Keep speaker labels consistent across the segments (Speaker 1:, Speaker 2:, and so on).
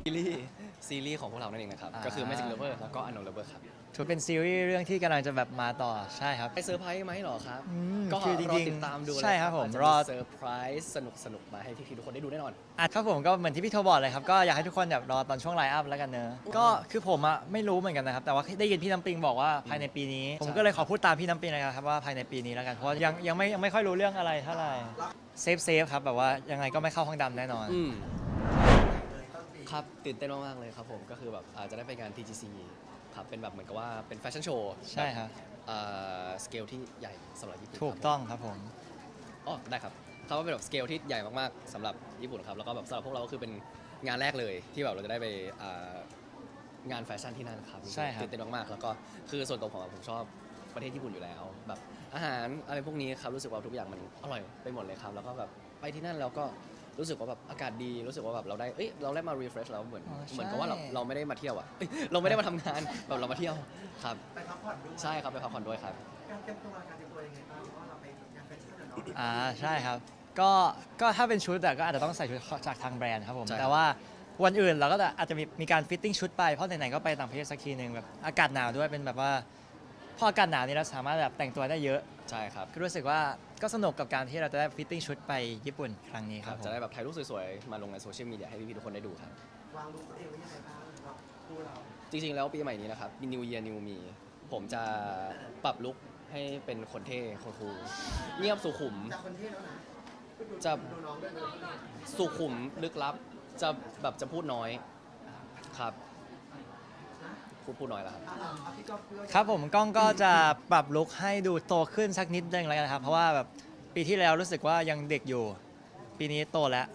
Speaker 1: ซีรีส์ของพวกเรานั่นเองนะครับก็คือ Magic Lover แล้วก็ Unknown Lover ครับ
Speaker 2: ถือเป็นซีรีส์เรื่องที่กำลังจะแบบมาต่อใช่ครับ
Speaker 1: ไปเซอร์ไพรส์ไหมหรอครับก็
Speaker 2: คือจ
Speaker 1: รอ
Speaker 2: ริง
Speaker 1: ติดตามดู
Speaker 2: ใช่ครับผม
Speaker 1: ร
Speaker 2: ร
Speaker 1: อ
Speaker 2: อ
Speaker 1: เซอร์ไพรส์สนุกมาให้พี่ๆทุกคนได้ดูแน่นอน
Speaker 2: ครับผมก็เหมือนที่พี่โทบอกเลยครับก็อยากให้ทุกคนแบบรอตอนช่วงไลฟ์อัพแล้วกันเนอะก็คือผมอะไม่รู้เหมือนกันนะครับแต่ว่าได้ยินพี่น้ำปิงบอกว่าภายในปีนี้ผมก็เลยขอพูดตามพี่น้ำปิงนะครับว่าภายในปีนี้แล้วกันเพราะยังไม่ค่อยรู้เรื่องอะไรเท่าไหร่เซฟครับแบบว่ายังไงก็ไม่เข้าห้องดำแน่นอน
Speaker 1: ครับตื่นเต้นมากๆเลยครับผมก็คือแบบอาจจะได้ไปงาน TGC ครับเป็นแบบเหมือนกับว่าเป็นแฟชั่นโชว์
Speaker 2: ใช่ครับ
Speaker 1: สเกลที่ใหญ่สำหรับญี่ปุ่น
Speaker 2: ถูกต้องครับผม
Speaker 1: อ๋อได้ครับเขาว่าเป็นแบบสเกลที่ใหญ่มากๆสำหรับญี่ปุ่นครับแล้วก็แบบสำหรับพวกเราก็คือเป็นงานแรกเลยที่แบบเราจะได้ไปงานแฟชั่นที่นั่นครับ
Speaker 2: ใช่ครับ
Speaker 1: ตื่นเต้นมากๆแล้วก็คือส่วนตัวผมชอบประเทศญี่ปุ่นอยู่แล้วแบบอาหารอะไรพวกนี้ครับรู้สึกว่าทุกอย่างมันอร่อยไปหมดเลยครับแล้วก็แบบไปที่นั่นแล้วก็รู้สึกว่าแบบอากาศดีรู้สึกว่าแบบเราได้มา refresh แล้วเหมือนกับว่าเราไม่ได้มาเที่ยวอะเราไม่ได้มาทำงานแบบเรามาเที่ยวครับ
Speaker 3: ไปพักผ่อนด้วย
Speaker 1: ใช่ครับไปพักผ่อนด้วยครับ
Speaker 3: การเตรียมตัวยังไงบ้างเพราะว่าเราไปงานแฟชั่นอะเนาะ
Speaker 2: ใช่ครับก็ถ้าเป็นชุดก็อาจจะต้องใส่ชุดจากทางแบรนด์ครับผม
Speaker 1: ใช่
Speaker 2: แต่ว่าวันอื่นเราก็อาจจะมีการฟิตติ้งชุดไปเพราะไหนๆก็ไปต่างประเทศสักทีหนึ่งแบบอากาศหนาวด้วยเป็นแบบว่าพออากาศหนาวนี่เราสามารถแบบแต่งตัวได้เยอะ
Speaker 1: ใช่ครับ
Speaker 2: ก็รู้สึกว่าก็สนุกกับการที่เราจะได้ฟิตติ้งชุดไปญี่ปุ่นครั้งนี้ครับ
Speaker 1: จะได้แบบถ่ายรูปสวยๆมาลงในโซเชียลมีเดียให้พี่ๆทุกคนได้ดูครับ
Speaker 3: วางลุคตัวเองไว้ยังไงบ้างสำหรับคู่เรา
Speaker 1: จริงๆแล้วปีใหม่นี้นะครับ New Year New Me ผมจะปรับลุคให้เป็นคนเท่คนคูลเงียบสุขุม
Speaker 3: จากคนเท่แล้วนะ
Speaker 1: จะ
Speaker 3: ดูน้องด้วยนะ
Speaker 1: สุขุมลึกลับจะแบบจะพูดน้อยครับพูดน้อยแล้วครับ
Speaker 3: พี่ก๊อฟด้วย
Speaker 2: ครับผมก้องก็จะปรับลุคให้ดูโตขึ้นสักนิดนึงแล้วกันครับเพราะว่าแบบปีที่แล้วรู้สึกว่ายังเด็กอยู่ปีนี้โตแล้ว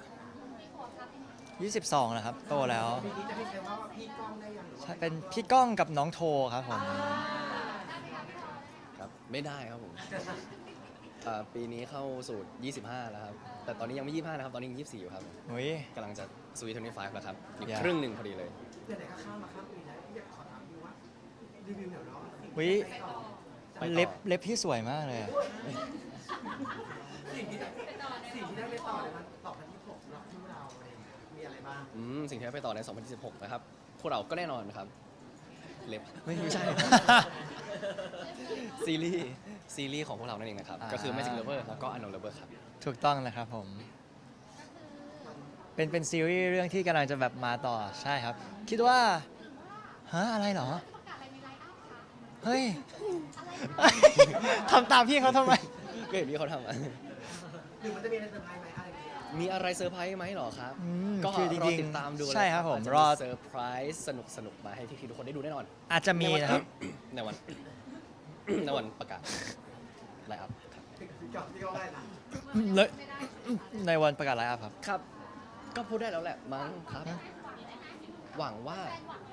Speaker 2: 22แล้วครับโตแล้ว
Speaker 3: ปีนี้จะให้ใช้ว่าพี่ก้องได้ยังหรือว่า
Speaker 2: เป็นพี่ก้องกับน้องโทครับผม
Speaker 1: ครับไม่ได้ครับผมปีนี้เข้าสู่25แล้วครับแต่ตอนนี้ยังไม่25นะครับตอนนี้ยัง24อยู่ครับ
Speaker 2: อุ้ย
Speaker 1: กำลังจะสวีท25แล้วครับอีก
Speaker 2: อย่า
Speaker 1: ครึ่งหนึ่งพอดีเลย
Speaker 3: เดี๋ยวไหนก็ข้ามมาข้ามปีแล้วพี่อยากขอถามดูว่ารีวิวหน่อยเนาะ
Speaker 2: อุ้ย
Speaker 1: ไปต่อ
Speaker 2: เล็บพี่สวยมากเลยอะ
Speaker 3: สิ่งที่ได้ไปต่อในวันต่อพันที่6สำหรับคู่เราอะไรอย่างเงี้ยมีอะไรบ้าง
Speaker 1: สิ่งที่ได้ไปต่อใน 2016 นะครับพวกเราก็แน่นอนนะครับเล็บไม่ใช่ ซีรีส์ของพวกเรานั่นเองนะครับก็คือ Magic Lover แล้วก็ Unknown Lover ครับ
Speaker 2: ถูกต้องนะครับผมเป็นซีรีส์เรื่องที่กำลังจะแบบมาต่อใช่ครับ คิดว่าอะไรเหรอเฮ้ย ทำตามพี่เขาทำไม
Speaker 1: ก็เห็นพี่เขาทำอะ
Speaker 3: หรือมันจะมีอะไรเซอร์ไพรส์ไหมอะไรอย่างเงี้ย
Speaker 1: มีอะไรเซอร์ไพรส์ไหมหรอครับ ก็
Speaker 2: คือจ
Speaker 1: รอ
Speaker 2: ริง
Speaker 1: ติดตามดู
Speaker 2: ใช่ครับผม
Speaker 1: อาจจะ
Speaker 2: รอ
Speaker 1: เซอร์ไพรส์สนุกมาให้พี่ๆทุกคนได้ดูแน่นอน
Speaker 2: อาจจะมีนะครับ
Speaker 1: ในวัน ในวันประกาศไลน์อัพครับ
Speaker 3: พี่ก๊อฟพี่ก๊อฟได้นะ
Speaker 2: เลยในวันประกาศไลฟ์อัพครับ
Speaker 1: ครับ ก็พูดได้แล้วแหละมั้งครับ หวังว่า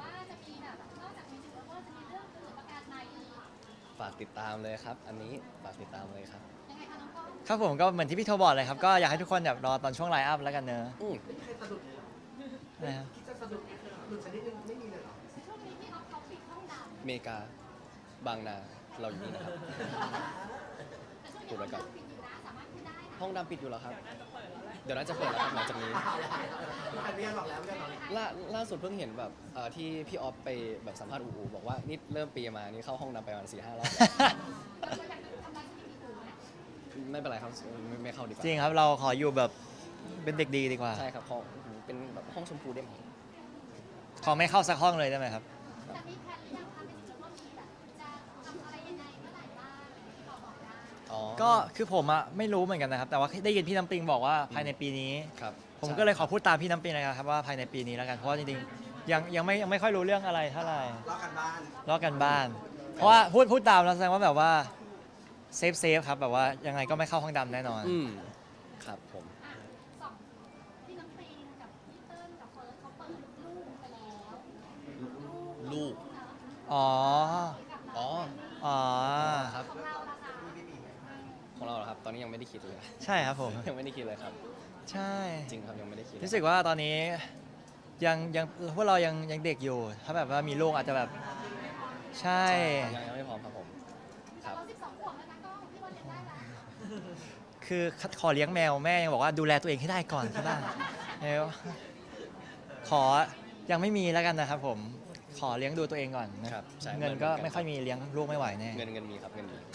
Speaker 1: ฝากติดตามเลยครับ อันนี้ฝากติดตามเลยครับ
Speaker 2: ครับผมก็เหมือนที่พี่โทบอกเลยครับก็อยากให้ทุกคนแบบรอตอนช่วงไลฟ์อัพแล้วกันเนอะ
Speaker 1: อืม
Speaker 3: ไม่มีใครสะดุดเลยเหรอ
Speaker 2: นะครับ
Speaker 3: คิดจะสะดุดหลุดชนิดนึงไม่มีเลยเหรอ
Speaker 1: อเมริกาบางนาเราอยู่นี่นะครับพูดไว้ก่อนห้องดำปิดอยู่แล้วครับ เดี๋ยวน่าจะเปิดแล้วครับหลังจากนี้
Speaker 3: ใครไม่ยอมหรอกแล้วไม่ยอมหรอกแล้ว
Speaker 1: ล่าสุดเพิ่งเห็นแบบที่พี่ออฟไปแบบสัมภาษณ์อูบอกว่านี่เริ่มปีมานี่เข้าห้องดำไปประมาณ4-5 รอบไม่เป็นไรครับไม่เข้าดีกว่า
Speaker 2: จริงครับเราขออยู่แบบเป็นเด็กดีดีกว่า
Speaker 1: ใช่ครับของเป็นแบบห้องชมพูได้ไหม
Speaker 2: ขอไม่เข้าสักห้องเลยได้ไหมครับ
Speaker 1: อ๋อ
Speaker 2: ก็คือผมอะไม่รู้เหมือนกันนะครับแต่ว่าได้ยินพี่น้ำปิงบอกว่าภายในปีนี้
Speaker 1: ครับ
Speaker 2: ผมก็เลยขอพูดตามพี่น้ำปิงนะครับว่าภายในปีนี้แล้วกันเพราะว่าจริงๆยังไม่ค่อยรู้เรื่องอะไรเท่าไหร่
Speaker 3: รอกันบ้าน
Speaker 2: ลอกกันบ้าน เพราะว่าพูดตามแล้วแสดงว่าแบบว่าเซฟครับแบบว่ายังไงก็ไม่เข้าห้องดำแน่นอน
Speaker 1: ครับผมลูก
Speaker 2: อ๋อ
Speaker 1: อ๋อ
Speaker 2: อ๋อ
Speaker 1: ครับของเราเหรอครับ ตอนนี้ยังไม่ได้คิดเลย
Speaker 2: ใช่ครับผม
Speaker 1: ยังไม่ได้คิดเลยครับ
Speaker 2: ใช่
Speaker 1: จริงครับยังไม่ได้คิด
Speaker 2: รู้สึกว่าตอนนี้ยังพวกเรายังเด็กอยู่ ถ้าแบบว่ามีลูกอาจจะแบบใช่
Speaker 1: ยังไม่พร้อมครับผมครับ
Speaker 2: คือขอเลี้ยงแมวแม่ยังบอกว่าดูแลตัวเองให้ได้ก่อนที่บ้านแล้วขอยังไม่มีแล้วกันนะครับผมขอเลี้ยงดูตัวเองก่อนนะครับ
Speaker 1: ใช่
Speaker 2: เงินก็ไม่ค่อยมีเลี้ยงลูกไม่ไหวแน่
Speaker 1: เงินมีครับเงินมี